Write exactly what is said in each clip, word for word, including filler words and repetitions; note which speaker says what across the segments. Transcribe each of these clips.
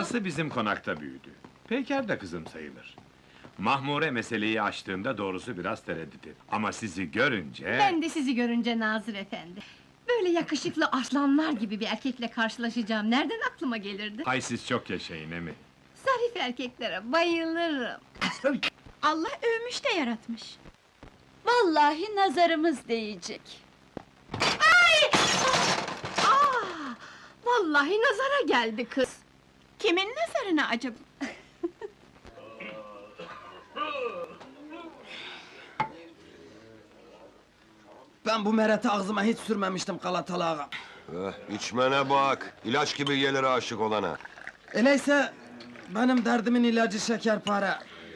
Speaker 1: Anası bizim konakta büyüdü. Peyker de kızım sayılır. Mahmure meseleyi açtığında doğrusu biraz tereddüt etti. Ama sizi görünce...
Speaker 2: Ben de sizi görünce Nazır efendi. Böyle yakışıklı aslanlar gibi bir erkekle karşılaşacağım, nereden aklıma gelirdi?
Speaker 1: Ay siz çok yaşayın emi.
Speaker 2: Zarif erkeklere bayılırım.
Speaker 3: Allah övmüş de yaratmış.
Speaker 4: Vallahi nazarımız değecek.
Speaker 2: Aa, vallahi nazara geldi kız.
Speaker 3: Kimin nazarına acaba?
Speaker 5: Ben bu mereti ağzıma hiç sürmemiştim Galatalı ağam.
Speaker 6: Eh, içmene bak, ilaç gibi gelir aşık olana.
Speaker 5: Öyleyse benim derdimin ilacı şekerpare.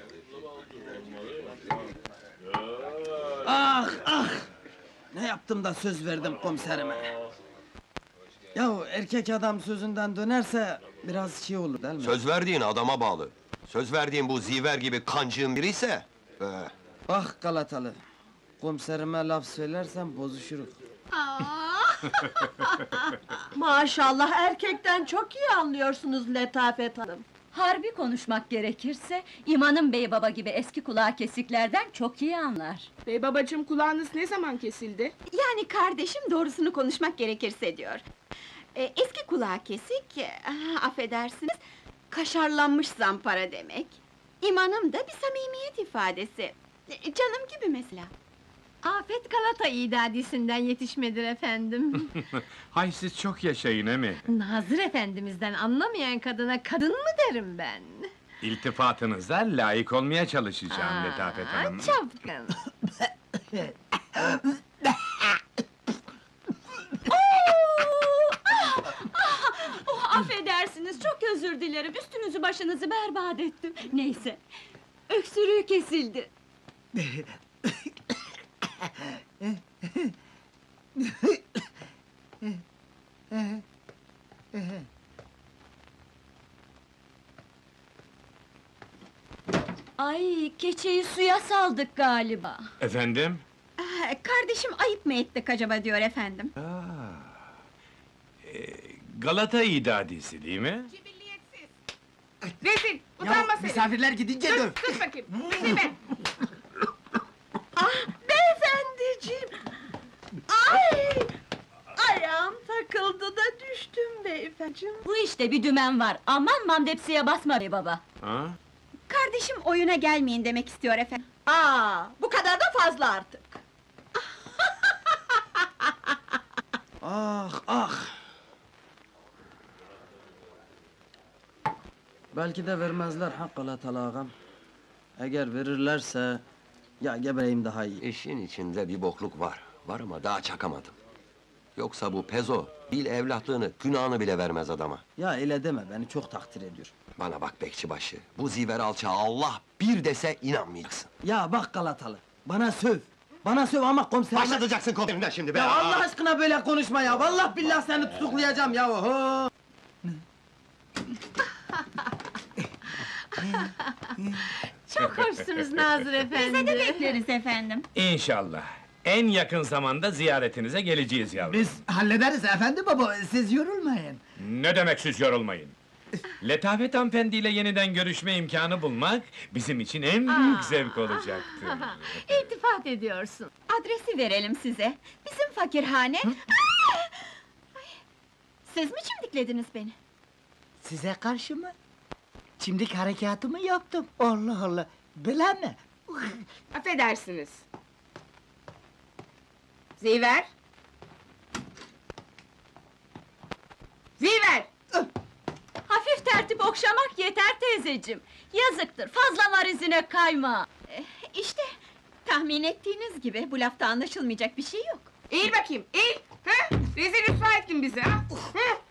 Speaker 5: Ah ah! Ne yaptım da söz verdim komiserime. Yahu erkek adam sözünden dönerse biraz şey olur değil mi?
Speaker 6: Söz verdiğin adama bağlı. Söz verdiğin bu ziver gibi kancığın biri ise... Eh,
Speaker 5: Ah Galatalı! Komiserime laf söylersem bozuşuruz.
Speaker 4: Maşallah erkekten çok iyi anlıyorsunuz Letafet Hanım. Harbi konuşmak gerekirse, İmanım Bey baba gibi eski kulağı kesiklerden çok iyi anlar.
Speaker 7: Bey babacığım, kulağınız ne zaman kesildi?
Speaker 3: Yani kardeşim doğrusunu konuşmak gerekirse diyor. Ee, eski kulağı kesik, ah, affedersiniz, kaşarlanmış zampara demek. İmanım da bir samimiyet ifadesi. Ee, Canım gibi mesela.
Speaker 2: Afet Galata idadisinden yetişmedir efendim.
Speaker 1: Hay siz çok yaşayın emi.
Speaker 2: Nazır efendimizden anlamayan kadına kadın mı derim ben?
Speaker 1: İltifatınıza layık olmaya çalışacağım Letafet
Speaker 2: Aa,
Speaker 1: Hanım.
Speaker 2: çapkın!
Speaker 4: Oh, affedersiniz, çok özür dilerim, üstünüzü başınızı berbat ettim. Neyse, öksürüğü kesildi. Ay, keçeyi suya saldık galiba.
Speaker 1: Efendim?
Speaker 3: Ah, kardeşim ayıp mı ettik acaba diyor efendim.
Speaker 1: Galata idadisi değil mi?
Speaker 7: Cibilliyetsiz! Rezil! Utanma seni!
Speaker 5: misafirler gidince döv!
Speaker 7: Sus, sus bakayım! Rezil be!
Speaker 4: Beyefendiciğim! Ay! Ayağım takıldı da düştüm beyefendiciğim. Bu işte bir dümen var, aman mamdepsiye basma bey baba!
Speaker 1: Ha?
Speaker 3: Kardeşim oyuna gelmeyin demek istiyor efendim.
Speaker 4: Aa, bu kadar da fazla artık!
Speaker 5: Ah ah! Belki de vermezler ha Galatalı ağam. Eğer verirlerse... Ya gebereyim daha iyi.
Speaker 6: işin içinde bir bokluk var. Var ama daha çakamadım. Yoksa bu pezo, bil evlatlığını, günahını bile vermez adama.
Speaker 5: Ya öyle deme, beni çok takdir ediyor.
Speaker 6: Bana bak bekçibaşı, bu ziver alçağı Allah bir dese inanmayacaksın.
Speaker 5: Ya bak Galatalı, bana söv! Bana söv ama komiserime...
Speaker 6: Başlatacaksın komiserinden şimdi be!
Speaker 5: Ya Allah aşkına böyle konuşma ya! Vallahi billahi seni tutuklayacağım ya! Oho!
Speaker 2: Çok hoşsunuz Nazır efendi.
Speaker 3: Bize de bekleriz efendim.
Speaker 1: İnşallah. En yakın zamanda ziyaretinize geleceğiz yavrum.
Speaker 8: Biz hallederiz efendi baba, siz yorulmayın.
Speaker 1: Ne demek siz yorulmayın? Letafet hanımefendiyle yeniden görüşme imkanı bulmak... ...bizim için en büyük zevk olacaktır.
Speaker 2: İltifat ediyorsun.
Speaker 3: Adresi verelim size. Bizim fakirhane... Aa! Ay! Siz mi çimdiklediniz beni?
Speaker 8: Size karşı mı? Çimdik harekatımı yaptım. Allah Allah, bile mi?
Speaker 7: Affedersiniz! Ziver! Ziver!
Speaker 4: Hafif tertip okşamak yeter teyzeciğim! Yazıktır, fazla var izine kayma!
Speaker 3: Eh, İşte tahmin ettiğiniz gibi bu lafta anlaşılmayacak bir şey yok.
Speaker 7: Eğil bakayım, eğil! Ha? Rezil rüsva ettin bizi ha! Hı?